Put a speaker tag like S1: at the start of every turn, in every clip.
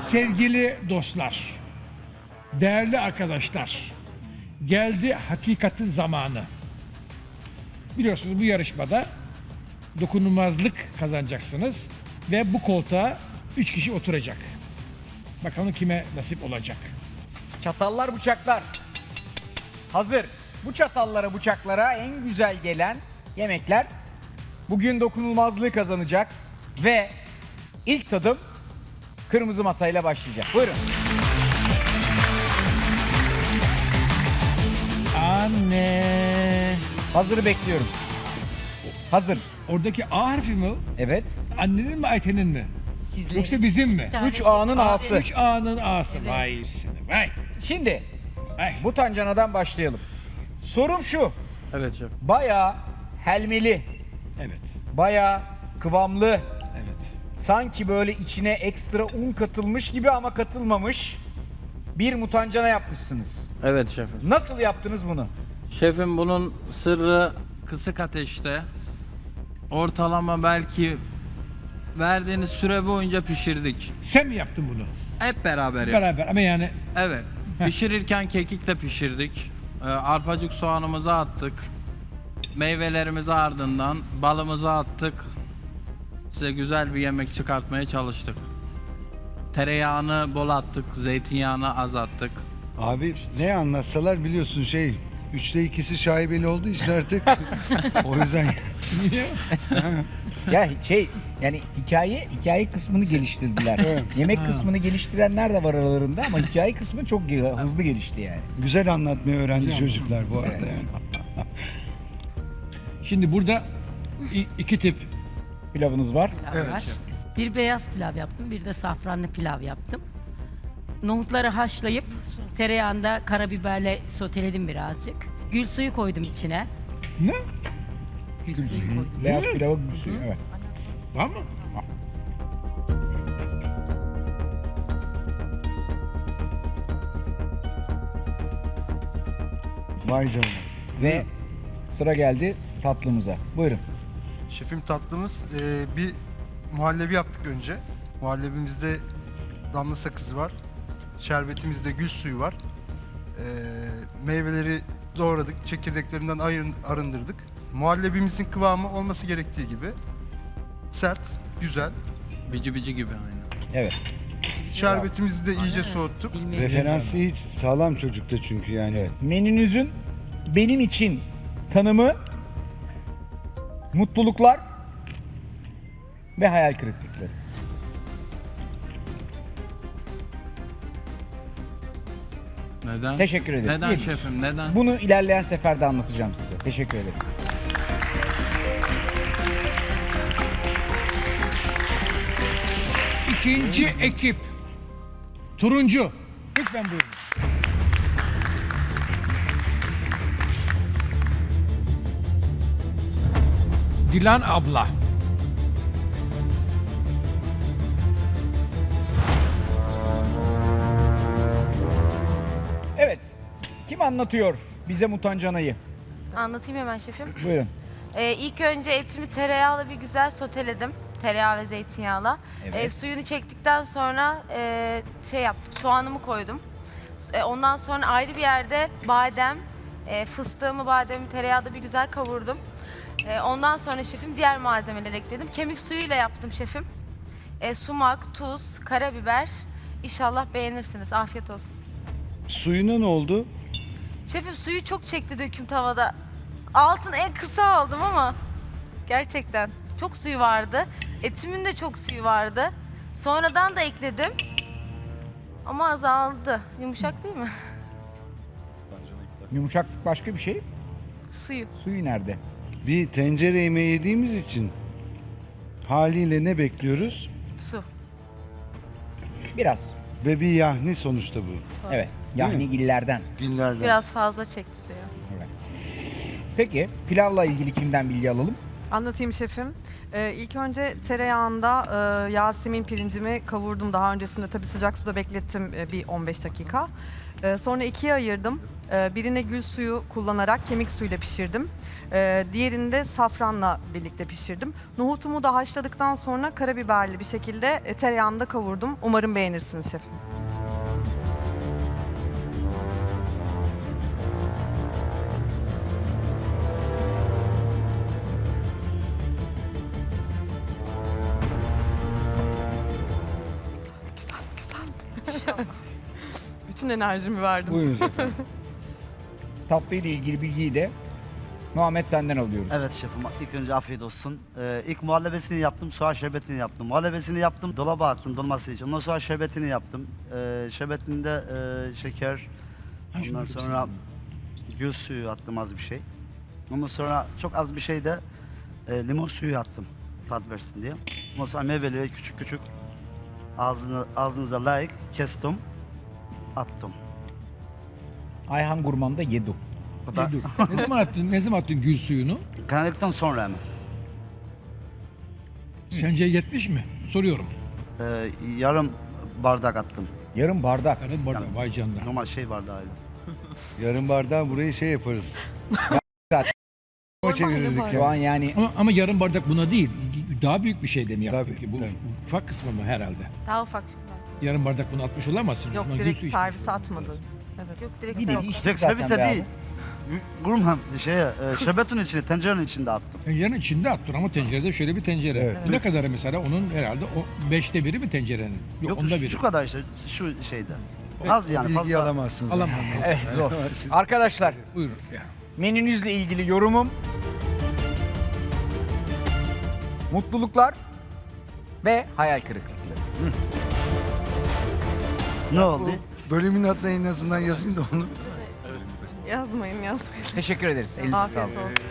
S1: Sevgili dostlar, değerli arkadaşlar, geldi hakikatin zamanı. Biliyorsunuz bu yarışmada dokunulmazlık kazanacaksınız ve bu koltuğa 3 kişi oturacak. Bakalım kime nasip olacak.
S2: Çatallar, bıçaklar. Hazır. Bu çatallara, bıçaklara en güzel gelen yemekler bugün dokunulmazlığı kazanacak ve ilk tadım kırmızı masayla başlayacak. Buyurun.
S1: Anne.
S2: Hazırı bekliyorum. Hazır.
S1: Oradaki A harfi mi?
S2: Evet.
S1: Annenin mi Ayten'in mi?
S3: Sizlerin.
S1: Yoksa bizim mi?
S2: 3 A'nın A'sı.
S1: 3 A'nın A'sı. Vay seni vay.
S2: Şimdi
S1: Vay.
S2: bu tancanadan başlayalım. Sorum şu.
S4: Evet şef.
S2: Bayağı helmeli,
S1: Evet.
S2: bayağı kıvamlı,
S1: Evet.
S2: sanki böyle içine ekstra un katılmış gibi ama katılmamış bir mutancana yapmışsınız.
S4: Evet şefim.
S2: Nasıl yaptınız bunu?
S4: Şefim bunun sırrı kısık ateşte. Ortalama belki verdiğiniz süre boyunca pişirdik.
S1: Sen mi yaptın bunu?
S4: Hep beraber yaptık.
S1: Beraber ama yani
S4: Evet. Pişirirken kekikle pişirdik. Arpacık soğanımızı attık. Meyvelerimizi ardından balımızı attık. Size güzel bir yemek çıkartmaya çalıştık. Tereyağını bol attık, zeytinyağını az attık.
S5: Abi ne anlatsalar biliyorsun 3'te 2'si şaibeli olduğu için artık o yüzden
S2: Ya yani hikaye kısmını geliştirdiler. Yemek kısmını geliştirenler de var aralarında ama hikaye kısmı çok hızlı gelişti yani.
S5: güzel anlatmayı öğrendi çocuklar bu arada yani.
S1: şimdi burada iki tip
S2: Pilavınız var.
S3: Pilav var. Bir beyaz pilav yaptım, bir de safranlı pilav yaptım. Nohutları haşlayıp tereyağında karabiberle soteledim birazcık. Gül suyu koydum içine.
S1: ne?
S3: Gül suyu koydum.
S2: Beyaz pilava gül suyu. Evet.
S1: Var mı?
S5: Vay canına.
S2: Ve sıra geldi tatlımıza. Buyurun.
S6: Şefim tatlımız bir muhallebi yaptık önce. Muhallebimizde damla sakızı var. Şerbetimizde gül suyu var. Meyveleri doğradık. Çekirdeklerinden arındırdık. Muhallebimizin kıvamı olması gerektiği gibi. Sert, güzel.
S4: Bici bici gibi aynı.
S2: Evet.
S6: Şerbetimizi de iyice soğuttuk.
S3: Bilmiyorum.
S5: Referansı hiç sağlam çocukta çünkü yani.
S2: Menünüzün benim için tanımı mutluluklar ve hayal kırıklıkları.
S4: Neden?
S2: Teşekkür ederiz.
S4: Neden
S2: İyi.
S4: şefim? Neden?
S2: Bunu ilerleyen seferde anlatacağım size. Teşekkür ederim.
S1: İkinci ekip. Turuncu. Lütfen buyurun. Dilan abla.
S2: Evet. Kim anlatıyor bize mutancanayı?
S7: Anlatayım hemen şefim.
S2: Buyurun.
S7: İlk önce etimi tereyağla bir güzel soteledim. Tereyağı ve zeytinyağla.
S2: Evet.
S7: Suyunu çektikten sonra yaptım. Soğanımı koydum. Ondan sonra ayrı bir yerde badem, fıstığımı, bademi tereyağda bir güzel kavurdum. Ondan sonra şefim diğer malzemeleri ekledim. Kemik suyuyla yaptım şefim. Sumak, tuz, karabiber. İnşallah beğenirsiniz. Afiyet olsun.
S5: Suyuna ne oldu?
S7: Şefim suyu çok çekti döküm tavada. Altın en kısa aldım ama gerçekten çok suyu vardı. Etimin de çok suyu vardı. Sonradan da ekledim. Ama azaldı. Yumuşak değil mi?
S2: Yumuşak başka bir şey.
S7: Suyu.
S2: Suyu nerede?
S5: Bir tencere yemeği yediğimiz için haliyle ne bekliyoruz?
S7: Su.
S2: Biraz.
S5: Ve bir yahni sonuçta bu.
S2: Evet. Yani illerden.
S5: Günlerden.
S7: Biraz fazla çekti suyu.
S2: Evet. Peki pilavla ilgili kimden bilgi alalım?
S8: Anlatayım şefim. İlk önce tereyağında Yasemin pirincimi kavurdum. Daha öncesinde tabii sıcak suda beklettim bir 15 dakika. Sonra ikiye ayırdım. Birine gül suyu kullanarak kemik suyuyla pişirdim. Diğerini de safranla birlikte pişirdim. Nohutumu da haşladıktan sonra karabiberli bir şekilde tereyağında kavurdum. Umarım beğenirsiniz şefim. Güzel. Bütün enerjimi verdim.
S2: Buyurunuz efendim. Tatlı ile ilgili bilgiyi de Muhammed senden alıyoruz.
S9: Evet şefim, ilk önce afiyet olsun. İlk muhallebesini yaptım, soğan şerbetini yaptım. Muhallebesini yaptım, dolaba attım dolması için. Ondan sonra şerbetini yaptım. Şerbetinde şeker, ondan sonra gül suyu attım az bir şey. Ondan sonra çok az bir şey de limon suyu attım, tat versin diye. Ondan sonra meyveleri küçük küçük ağzınıza layık kestim, attım.
S2: Ayhan Gurman da yedi.
S9: O da
S1: Ne zaman attın gül suyunu?
S9: kaynadıktan sonra hemen.
S1: Sence yetmiş mi? Soruyorum.
S9: Yarım bardak attım.
S2: Yarım bardak.
S1: Karın bardak, vay canına.
S9: Normal şey bardağıyla.
S5: Yarım bardağı burayı şey yaparız. O çevirirdik
S2: Şu
S5: ya.
S2: an yani
S1: Ama yarım bardak buna değil. Daha büyük bir şey de mi yaptın
S5: Tabii,
S1: ki? Bu
S5: tabii.
S1: ufak kısmı mı herhalde?
S7: Daha ufak.
S1: Yarım bardak bunu atmış olamazsın.
S8: Yok,
S1: Ama gül
S8: direkt
S1: suyu
S8: servise
S1: içmiş
S8: atmadın.
S1: lazım.
S8: Evet.
S7: Yok direkt
S2: bir
S7: servis.
S2: nevi içtik
S9: Direkt
S2: zaten
S9: servise
S2: be abi.
S9: değil. Gurman şerbetin içine, tencerenin içinde attım.
S1: Tencerenin içinde attın ama tencerede şöyle bir tencere.
S5: Evet.
S1: Ne kadar mesela onun herhalde o 5'te biri mi tencerenin? Yok, onda biri.
S9: şu kadar işte, şu şeyde. Az yani
S5: Bilgi
S9: fazla.
S5: alamazsınız.
S1: Alamam.
S2: Evet zor. Arkadaşlar
S1: Buyurun. Ya.
S2: menünüzle ilgili yorumum mutluluklar ve hayal kırıklıkları.
S9: Ne oldu?
S5: Bölümün adına en azından yazayım da onu.
S8: Yazmayın.
S2: Teşekkür ederiz. Elinize
S8: Afiyet
S2: sağlık.
S8: olsun.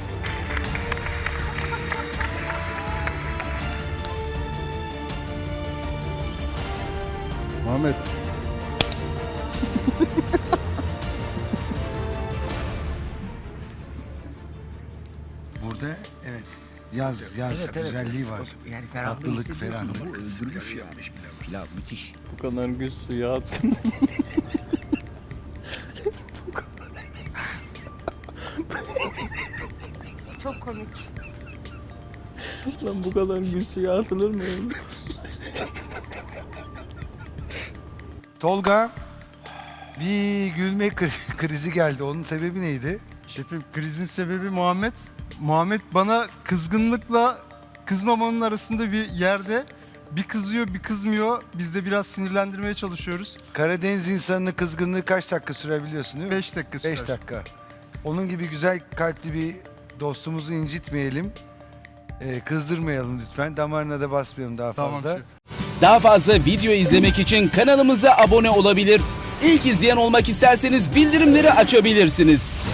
S5: Muhammed. Burada evet yaz güzelliği var.
S2: Yani
S5: Tatlılık, ferahlık.
S2: Öldürmüş yani pilav müthiş.
S4: Bu kadar gül suyu attım.
S7: Çok komik.
S4: Lan bu kadar gül suyu atılır mı?
S5: Tolga bir gülme krizi geldi. Onun sebebi neydi?
S6: Şefim krizin sebebi Muhammed. Muhammed bana kızgınlıkla kızmamanın arasında bir yerde bir kızıyor bir kızmıyor. Biz de biraz sinirlendirmeye çalışıyoruz.
S5: Karadeniz insanının kızgınlığı kaç dakika sürebiliyorsun değil mi?
S6: 5 dakika sürer.
S5: 5 dakika. Onun gibi güzel kalpli bir dostumuzu incitmeyelim. Kızdırmayalım lütfen. Damarına da basmayalım daha
S6: Tamam
S5: fazla.
S6: şef.
S10: Daha fazla video izlemek için kanalımıza abone olabilir. İlk izleyen olmak isterseniz bildirimleri açabilirsiniz.